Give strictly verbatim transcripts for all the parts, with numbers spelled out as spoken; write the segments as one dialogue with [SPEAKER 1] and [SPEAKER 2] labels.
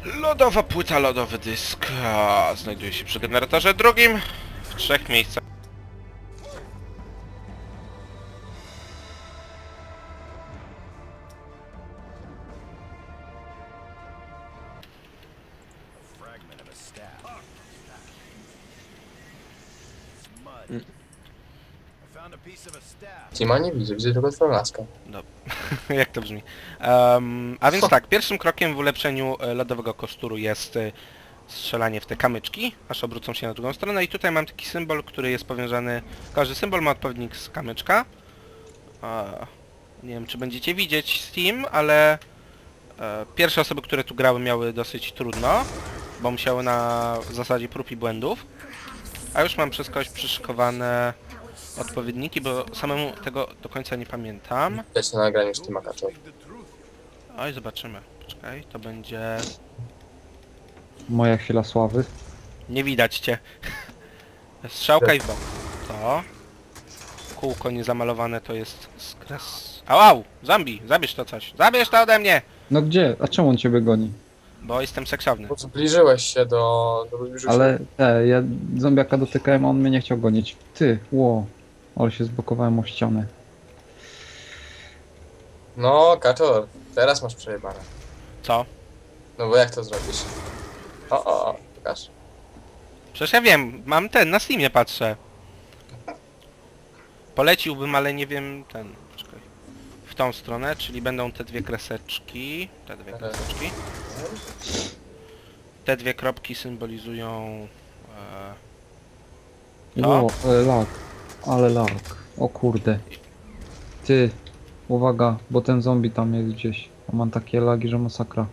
[SPEAKER 1] Lodowa płyta, lodowy dysk. A, znajduje się przy generatorze drugim w trzech miejscach.
[SPEAKER 2] Tima nie widzę, widzę tylko twoją laskę.
[SPEAKER 1] No, jak to brzmi. Um, a więc tak, pierwszym krokiem w ulepszeniu e, lodowego kostura jest e, strzelanie w te kamyczki, aż obrócą się na drugą stronę i tutaj mam taki symbol, który jest powiązany... Każdy symbol ma odpowiednik z kamyczka. E, nie wiem, czy będziecie widzieć Steam, ale e, pierwsze osoby, które tu grały, miały dosyć trudno, bo musiały na zasadzie prób i błędów. A już mam przez kogoś przyszykowane odpowiedniki, bo samemu tego do końca nie pamiętam.
[SPEAKER 2] Widać na nagraniu z Tima Kaczor.
[SPEAKER 1] Oj, zobaczymy. Poczekaj, to będzie...
[SPEAKER 3] Moja chwila sławy.
[SPEAKER 1] Nie widać cię. Strzałka i w bok. To. Kółko niezamalowane to jest skres... Au, au! Zombie! Zabierz to coś! Zabierz to ode mnie!
[SPEAKER 3] No gdzie? A czemu on ciebie goni?
[SPEAKER 1] Bo jestem seksowny.
[SPEAKER 2] Bo zbliżyłeś się do... do zbliżyłeś
[SPEAKER 3] Ale te, ja zombiaka dotykałem, a on mnie nie chciał gonić. Ty, ło. Ale się zblokowałem o ścianę.
[SPEAKER 2] No, Kaczor, teraz masz przejebane.
[SPEAKER 1] Co?
[SPEAKER 2] No bo jak to zrobisz? O, o, o, pokaż.
[SPEAKER 1] Przecież ja wiem, mam ten, na Steamie patrzę. Poleciłbym, ale nie wiem, ten... Poczekaj. W tą stronę, czyli będą te dwie kreseczki. Te dwie kreseczki. Te dwie kropki symbolizują... E,
[SPEAKER 3] Ło, ale lag. Ale lag. O kurde. Ty, uwaga, bo ten zombie tam jest gdzieś. A mam takie lagi, że masakra.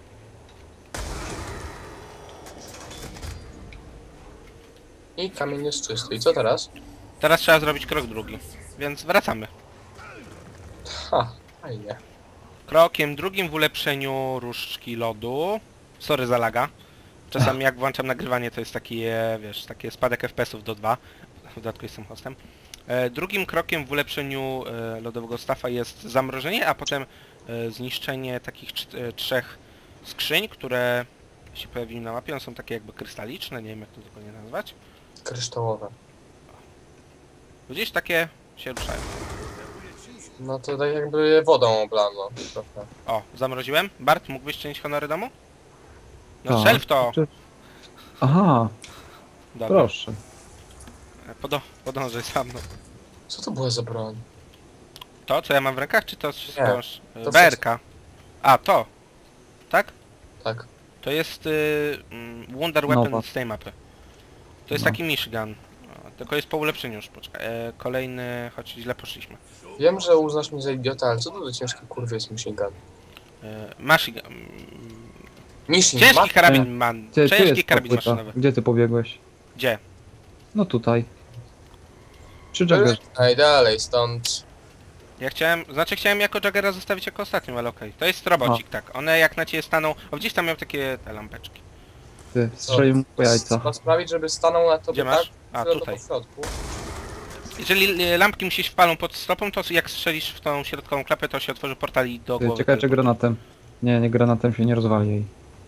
[SPEAKER 2] I kamień jest czysty. I co teraz?
[SPEAKER 1] teraz trzeba zrobić krok drugi, więc wracamy.
[SPEAKER 2] Ha, fajnie.
[SPEAKER 1] Krokiem drugim w ulepszeniu różdżki lodu. Sorry za laga. Czasami jak włączam nagrywanie, to jest taki, e, wiesz, taki spadek F P S ów do dwa. W dodatku jestem hostem. E, drugim krokiem w ulepszeniu e, lodowego stafa jest zamrożenie, a potem e, zniszczenie takich cz- e, trzech skrzyń, które się pojawiły na mapie. One są takie jakby krystaliczne, nie wiem jak to dokładnie nazwać.
[SPEAKER 2] Kryształowe.
[SPEAKER 1] Gdzieś takie się ruszają.
[SPEAKER 2] No to tak jakby je wodą oblano. Trochę.
[SPEAKER 1] O, zamroziłem. Bart, mógłbyś czynić honory domu? No
[SPEAKER 3] Tak.
[SPEAKER 1] strzel w to!
[SPEAKER 3] Czy- Aha,
[SPEAKER 1] Dobra.
[SPEAKER 3] proszę.
[SPEAKER 1] Podo podążaj za mną.
[SPEAKER 2] Co to była za broń?
[SPEAKER 1] To, co ja mam w rękach, czy to wszystko?
[SPEAKER 2] to
[SPEAKER 1] B R K. A, to. Tak?
[SPEAKER 2] Tak.
[SPEAKER 1] To jest y, mm, Wonder Weapon
[SPEAKER 3] Nowa.
[SPEAKER 1] z tej mapy. To jest
[SPEAKER 3] No.
[SPEAKER 1] taki Michigan. O, tylko jest po ulepszeniu już, poczekaj. E, kolejny, choć źle poszliśmy.
[SPEAKER 2] Wiem, że uznasz mnie za idiota, ale co to za ciężki kurwy jest Machine Gun?
[SPEAKER 1] E, Machine... mm,
[SPEAKER 2] Machine
[SPEAKER 1] Ciężki
[SPEAKER 2] Gun?
[SPEAKER 1] karabin man.
[SPEAKER 3] Ty, tu
[SPEAKER 1] Ciężki
[SPEAKER 3] jest ta
[SPEAKER 1] karabin
[SPEAKER 3] płyta.
[SPEAKER 1] maszynowy.
[SPEAKER 3] Gdzie ty pobiegłeś?
[SPEAKER 1] Gdzie?
[SPEAKER 3] No tutaj. Przy Jaggerze.
[SPEAKER 2] Najdalej stąd.
[SPEAKER 1] Ja chciałem, znaczy chciałem jako Jaggera zostawić jako ostatnią, ale okej. To jest robocik, tak. One jak na ciebie staną... O, gdzieś tam miał takie te lampeczki.
[SPEAKER 3] Ty, strzelił mu po jajca.
[SPEAKER 2] Trzeba sprawić, żeby stanął na tobie
[SPEAKER 1] Gdzie masz?
[SPEAKER 2] tak,
[SPEAKER 1] A,
[SPEAKER 2] że to
[SPEAKER 1] tutaj.
[SPEAKER 2] po środku.
[SPEAKER 1] Jeżeli e, lampki mi się wpalą pod stopą, to jak strzelisz w tą środkową klapę, to się otworzy portal i do
[SPEAKER 3] Ty,
[SPEAKER 1] głowy.
[SPEAKER 3] czekaj, czy
[SPEAKER 1] teleportu.
[SPEAKER 3] granatem. Nie, nie granatem się nie rozwali jej.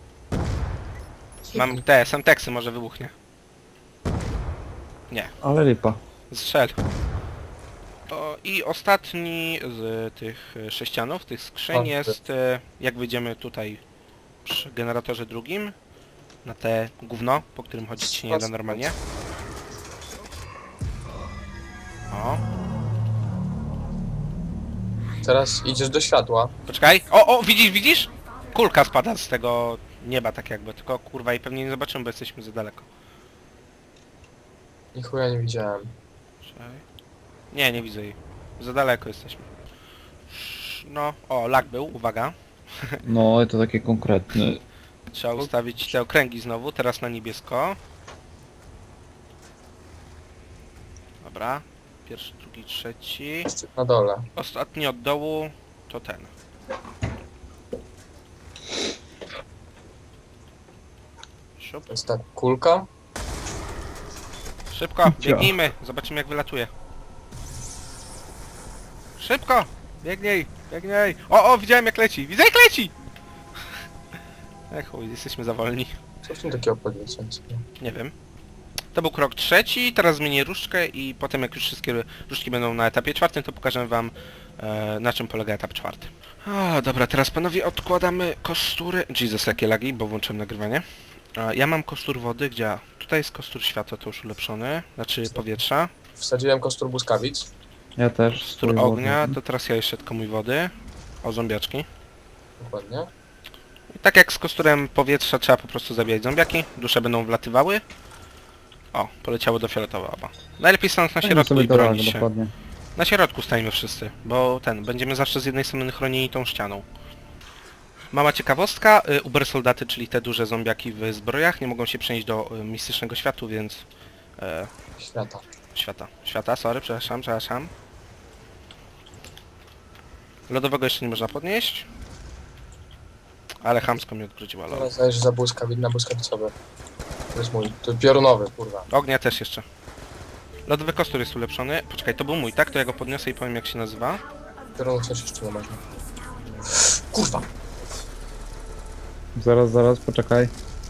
[SPEAKER 1] Mam te, Semteksy, może wybuchnie. Nie,
[SPEAKER 3] Ale lipa.
[SPEAKER 1] strzel. O, i ostatni z tych e, sześcianów, tych skrzyń
[SPEAKER 2] Chodźmy.
[SPEAKER 1] jest, e, jak wyjdziemy tutaj przy generatorze drugim, na te gówno, po którym chodzić się nie da normalnie. O,
[SPEAKER 2] Teraz idziesz do światła.
[SPEAKER 1] poczekaj. O, o, widzisz, widzisz? Kulka spada z tego nieba tak jakby, tylko kurwa i pewnie nie zobaczymy, bo jesteśmy za daleko.
[SPEAKER 2] I chuja nie widziałem.
[SPEAKER 1] Czekaj. Nie, nie widzę jej. Za daleko jesteśmy. No, o, lag był, uwaga.
[SPEAKER 3] No, to takie konkretne.
[SPEAKER 1] Trzeba ustawić te okręgi znowu, teraz na niebiesko. Dobra. Pierwszy, drugi, trzeci.
[SPEAKER 2] Jeszcze na dole.
[SPEAKER 1] Ostatni od dołu to ten. Siup.
[SPEAKER 2] To jest ta kulka.
[SPEAKER 1] Szybko, biegnijmy, zobaczymy jak wylatuje. Szybko! Biegnij, biegnij! O, o, widziałem jak leci, widzę jak leci! E chuj, jesteśmy za wolni.
[SPEAKER 2] Co w tym takiego powiedzieć?
[SPEAKER 1] Nie wiem. To był krok trzeci, teraz zmienię różdżkę i potem jak już wszystkie różdżki będą na etapie czwartym, to pokażę wam e, na czym polega etap czwarty. O, dobra, teraz panowie odkładamy kostury. Jesus, jakie lagi, bo włączyłem nagrywanie. E, ja mam kostur wody, gdzie... Tutaj jest kostur światła, to już ulepszony, znaczy powietrza.
[SPEAKER 2] Wsadziłem kostur błyskawic.
[SPEAKER 3] Ja też.
[SPEAKER 1] Kostur
[SPEAKER 3] swój
[SPEAKER 1] ognia,
[SPEAKER 3] wodny.
[SPEAKER 1] to teraz ja jeszcze tylko mój wody. O, zombiaczki.
[SPEAKER 2] Dokładnie.
[SPEAKER 1] I tak jak z kosturem powietrza trzeba po prostu zabijać zombiaki, dusze będą wlatywały. O, poleciało do fioletowa. Najlepiej stanąć na
[SPEAKER 3] Dajmy
[SPEAKER 1] środku
[SPEAKER 3] sobie
[SPEAKER 1] i
[SPEAKER 3] do lag,
[SPEAKER 1] bronić się.
[SPEAKER 3] dokładnie.
[SPEAKER 1] Na środku stajemy wszyscy, bo ten, będziemy zawsze z jednej strony chronieni tą ścianą. Mała ciekawostka, y, Uber soldaty, czyli te duże zombiaki w zbrojach, nie mogą się przenieść do y, mistycznego światu, więc... E,
[SPEAKER 2] Świata.
[SPEAKER 1] świata. Świata, sorry, przepraszam, przepraszam. Lodowego jeszcze nie można podnieść. Ale chamsko mi odwróciła lodo.
[SPEAKER 2] Teraz zajesz za błyskawic na błyskawicowy. To jest mój. To piorunowy, kurwa.
[SPEAKER 1] Ognia też jeszcze. Lodowy kostur jest ulepszony. Poczekaj, to był mój, tak? To ja go podniosę i powiem jak się nazywa.
[SPEAKER 2] Piorunu coś jeszcze nie można. Kurwa!
[SPEAKER 3] Zaraz, zaraz, poczekaj.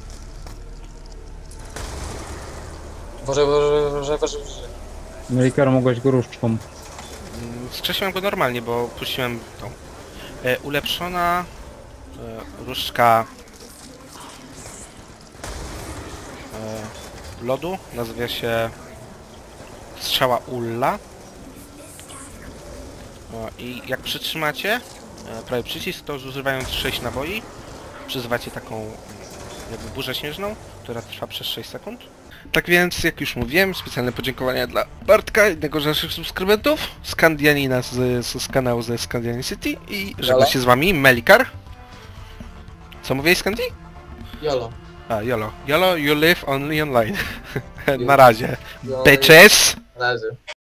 [SPEAKER 2] Boże, boże, boże, boże, boże.
[SPEAKER 3] Melikar, mogłeś go różdżką.
[SPEAKER 1] Mm, Skrzesiłem go normalnie, bo puściłem tą. E, ulepszona e, różdżka e, lodu, nazywa się strzała Ulla. O, i jak przytrzymacie e, prawy przycisk, to zużywając sześć naboi, przyzywacie taką mm, jakby burzę śnieżną, która trwa przez sześć sekund. Tak więc, jak już mówiłem, specjalne podziękowania dla Bartka, jednego z naszych subskrybentów, Skandianina z, z, z kanału ze Scandian City i żegna się z wami Melikar. Co mówiłeś, Scandi?
[SPEAKER 2] Jolo.
[SPEAKER 1] A, YOLO. YOLO, you live only online. Na razie.
[SPEAKER 2] Jolo.
[SPEAKER 1] Bitches!
[SPEAKER 2] Na razie.